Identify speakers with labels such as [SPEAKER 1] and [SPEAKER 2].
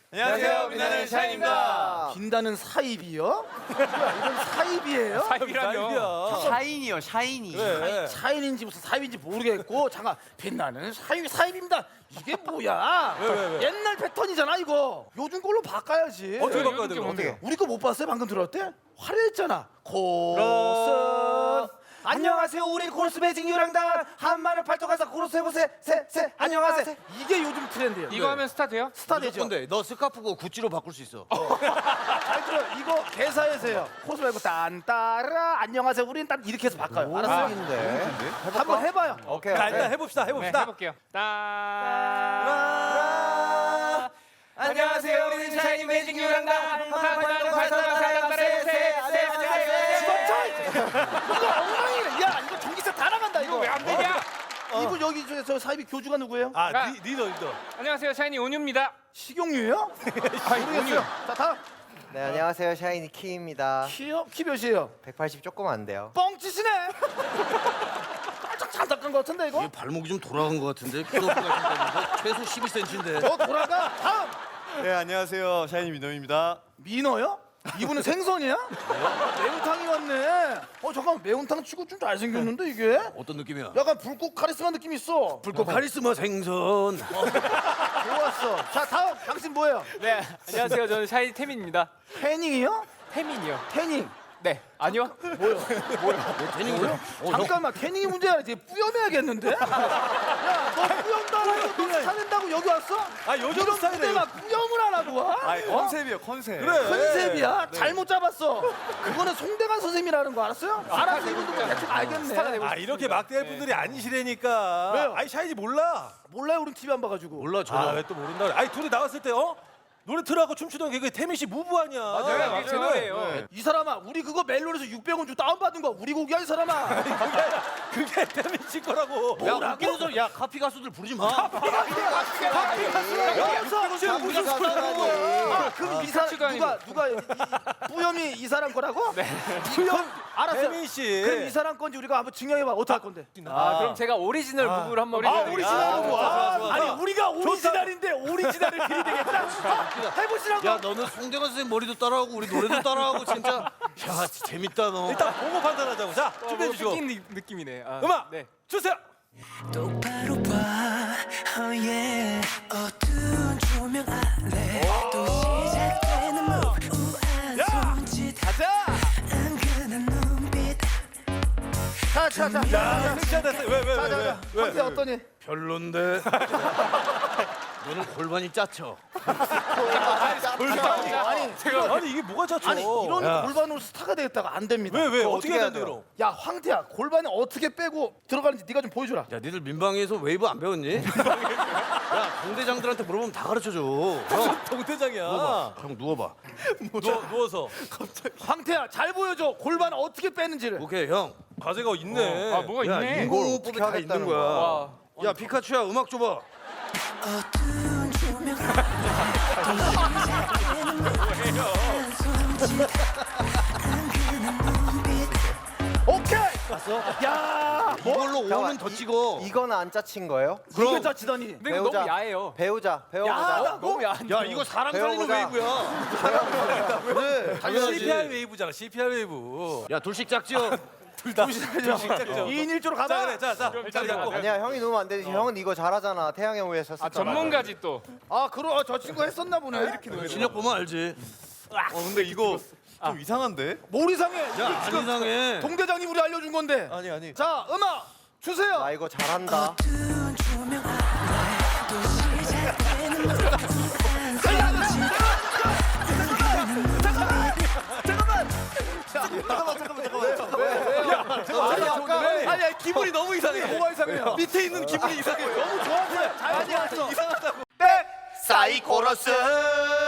[SPEAKER 1] 안녕하세요, 빛나는 샤인입니다.
[SPEAKER 2] 빛나는 사입이요? 뭐야, 이건 사입이에요?
[SPEAKER 1] 사입이라뇨?
[SPEAKER 3] 샤인이요, 샤이니.
[SPEAKER 1] 그래.
[SPEAKER 2] 사인인지 무슨 사입인지 모르겠고 잠깐 빛나는 사입입니다. 이게 뭐야?
[SPEAKER 1] 왜?
[SPEAKER 2] 옛날 패턴이잖아 이거. 요즘 걸로 바꿔야지.
[SPEAKER 1] 어떻게 바꿔야 돼?
[SPEAKER 3] 어떻게?
[SPEAKER 2] 우리 거 못 봤어요? 방금 들었대? 화려했잖아. 코러스. 안녕하세요, 우리 코러스 매직 유랑단 한마늘 팔뚝가서 코러스 해보세요. 세 안녕하세요. 이게 요즘 트렌드예요.
[SPEAKER 4] 이거 하면 스타 돼요?
[SPEAKER 2] 스타 되죠.
[SPEAKER 5] 근데 너 스카프고 구찌로 바꿀 수 있어.
[SPEAKER 2] 잘 들어. 이거 개사에서요. 코러스 말고 딴따라 안녕하세요. 우린 딴 이렇게 해서 바꿔요. 알았어요?
[SPEAKER 3] 인데.
[SPEAKER 2] 한번 해봐요.
[SPEAKER 3] 오케이.
[SPEAKER 1] 자, 일단 해봅시다.
[SPEAKER 4] 네, 해볼게요.
[SPEAKER 1] 안녕하세요, 우리는 샤이니 매직 유랑단
[SPEAKER 2] 이거 엉망이네. 야, 이거 전기세 다 나간다 이거.
[SPEAKER 4] 왜 안 되냐?
[SPEAKER 2] 이분 여기 저 사입이 교주가 누구예요?
[SPEAKER 1] 아, 리더.
[SPEAKER 4] 안녕하세요, 샤이니 온유입니다.
[SPEAKER 2] 식용유예요? 모르겠어요. 자, 다음.
[SPEAKER 3] 네, 안녕하세요. 샤이니 키입니다.
[SPEAKER 2] 키요? 키 몇이에요?
[SPEAKER 3] 180 조금 안 돼요.
[SPEAKER 2] 뻥치시네. 살짝 닦은 것 같은데 이거?
[SPEAKER 5] 얘 발목이 좀 돌아간 것 같은데 키높이가 좀 때문에 최소 12cm인데.
[SPEAKER 2] 저 돌아가. 다음.
[SPEAKER 6] 네, 안녕하세요. 샤이니 민호입니다.
[SPEAKER 2] 민어요? 이분은 생선이야? 매운탕이 왔네. 잠깐 매운탕 치고 좀 잘생겼는데 이게?
[SPEAKER 5] 어떤 느낌이야?
[SPEAKER 2] 약간 불꽃 카리스마 느낌 있어.
[SPEAKER 5] 불꽃 카리스마 생선.
[SPEAKER 2] 좋았어. 자, 다음. 당신 뭐예요?
[SPEAKER 4] 네, 안녕하세요. 저는 샤이니 태민입니다.
[SPEAKER 2] 태닝이요?
[SPEAKER 4] 태민이요.
[SPEAKER 2] 태닝.
[SPEAKER 4] 네, 아니요.
[SPEAKER 5] 태닝이요?
[SPEAKER 2] 잠깐만, 태닝이 문제야. 이제 뿌염해야겠는데? 야, 너 뿌염다고 너 스타낸다고 여기 왔어?
[SPEAKER 6] 아, 요즘 스타일이에요.
[SPEAKER 2] 내가 뿌염을 안 하고 와?
[SPEAKER 6] 아, 컨셉이요, 컨셉.
[SPEAKER 2] 컨셉이야? 잘못 잡았어. 그거는 송대관 선생님이라는 거 알았어요? 알았어, 이분도 뭐 대충 알겠네.
[SPEAKER 1] 아, 이렇게 막대할 분들이 아니시라니까.
[SPEAKER 2] 왜요?
[SPEAKER 1] 아니, 샤이니 몰라.
[SPEAKER 2] 몰라요, 우린 TV 안 봐가지고.
[SPEAKER 5] 몰라
[SPEAKER 1] 아,
[SPEAKER 5] 전혀.
[SPEAKER 1] 왜 또 모른다 그래. 아니, 둘이 나왔을 때 노래 틀어갖고 춤추던 게 태민 씨 무브 아니야.
[SPEAKER 4] 맞아요.
[SPEAKER 1] 쟤는.
[SPEAKER 2] 이 사람아, 우리 그거 멜론에서 600원 주고 다운받은 거 우리 곡이야, 이 사람아.
[SPEAKER 1] 그게 태민 씨 거라고.
[SPEAKER 5] 야 웃기는 소리. 야 카피 가수들 부르지 마.
[SPEAKER 2] 지금 무슨 소리 하는 거야? 그럼 이 사람
[SPEAKER 4] 아니고.
[SPEAKER 2] 누가 뿌염이 이 사람 거라고? 네. 뿌염 알았어.
[SPEAKER 1] 태민 씨.
[SPEAKER 2] 그럼 이 사람 건지 우리가 한번 증명해봐. 어떻게 할 건데?
[SPEAKER 4] 그럼 제가 오리지널 부부를 한번
[SPEAKER 2] 오리지널 뭐?
[SPEAKER 1] 좋아, 좋아.
[SPEAKER 2] 아니 우리가 오리지널인데 오리지널을 들이대겠다. 해보시라고.
[SPEAKER 5] 야 너는 송대관 선생 머리도 따라하고 우리 노래도 따라하고 진짜. 야 진짜 재밌다 너.
[SPEAKER 1] 일단 보고 판단하자고. 자, 준비해 주시고.
[SPEAKER 4] 느낀 느낌이네.
[SPEAKER 1] 음악
[SPEAKER 4] 네.
[SPEAKER 1] 주세요.
[SPEAKER 7] 똑바로 봐, oh yeah. 어두운 조명 아래 또 시작되는 move. 우아한 손짓, 은근한 눈빛.
[SPEAKER 2] 자.
[SPEAKER 1] 섹시하다. 왜?
[SPEAKER 2] 어때 어떠니?
[SPEAKER 5] 별론데. 너는 골반이 짜쳐.
[SPEAKER 2] 아니
[SPEAKER 1] 이게 뭐가 자초?
[SPEAKER 2] 아니 이런 골반으로 스타가 되겠다가 안 됩니다.
[SPEAKER 1] 왜?
[SPEAKER 3] 그거
[SPEAKER 1] 어떻게
[SPEAKER 3] 어떻게
[SPEAKER 1] 해야
[SPEAKER 3] 해야
[SPEAKER 1] 돼, 그럼?
[SPEAKER 2] 야 황태야, 골반이 어떻게 빼고 들어가는지 네가 좀 보여주라.
[SPEAKER 5] 야 니들 민방위에서 웨이브 안 배웠니? 야 동대장들한테 물어보면 다 가르쳐줘. 형
[SPEAKER 1] 동대장이야.
[SPEAKER 5] 누워봐. 형 누워봐.
[SPEAKER 1] 누워서.
[SPEAKER 2] 황태야, 잘 보여줘. 골반 어떻게 빼는지를.
[SPEAKER 5] 오케이 형.
[SPEAKER 1] 과제가 있네.
[SPEAKER 4] 아, 뭐가
[SPEAKER 5] 야
[SPEAKER 4] 있네.
[SPEAKER 5] 인공호흡법이 다 있는
[SPEAKER 3] 하겠다는
[SPEAKER 5] 거야.
[SPEAKER 4] 와.
[SPEAKER 5] 야 피카츄야 음악 줘봐.
[SPEAKER 7] 어두운 조명 아래 또 시작되는 move. 우아한 손짓, 은근한 눈빛.
[SPEAKER 2] 오케이. 봤어? 야,
[SPEAKER 5] 이걸로 5는 더 찍어.
[SPEAKER 3] 이건 안 짜친 거예요?
[SPEAKER 2] 그럼 짜치더니.
[SPEAKER 4] 근데 이거 너무 야해요.
[SPEAKER 3] 배우자.
[SPEAKER 2] 야하다고?
[SPEAKER 4] 너무 야한.
[SPEAKER 5] 야 이거 사람 살리는
[SPEAKER 3] 배워보자.
[SPEAKER 5] 웨이브야. 그래 당연하지.
[SPEAKER 1] CPR 웨이브잖아. CPR 웨이브.
[SPEAKER 5] 야 둘씩 짝지요.
[SPEAKER 1] 둘다
[SPEAKER 2] 2인 1조로 가자.
[SPEAKER 1] 자. 자리 잡고.
[SPEAKER 3] 아니야, 형이 넣으면 안 되지. 형은 이거 잘하잖아. 태양의 후예 썼었잖아.
[SPEAKER 4] 전문가지 또.
[SPEAKER 2] 그럼 저 친구 했었나 보네. 이렇게
[SPEAKER 5] 실력 보면 알지.
[SPEAKER 6] 근데 이거 좀 이상한데?
[SPEAKER 2] 뭘 이상해?
[SPEAKER 5] 야 안 이상해.
[SPEAKER 2] 동대장님 우리 알려준 건데.
[SPEAKER 6] 아니.
[SPEAKER 2] 자, 음악 주세요.
[SPEAKER 3] 나 이거 잘한다.
[SPEAKER 7] 어두운 조명 아래 또 시작되는 move. 우아한 손짓,
[SPEAKER 2] 아니, 기분이 너무 이상해. 뭐가 이상해요? 밑에 있는 기분이 이상해. 너무 좋아서 자연이 왔어.
[SPEAKER 5] 사이코러스.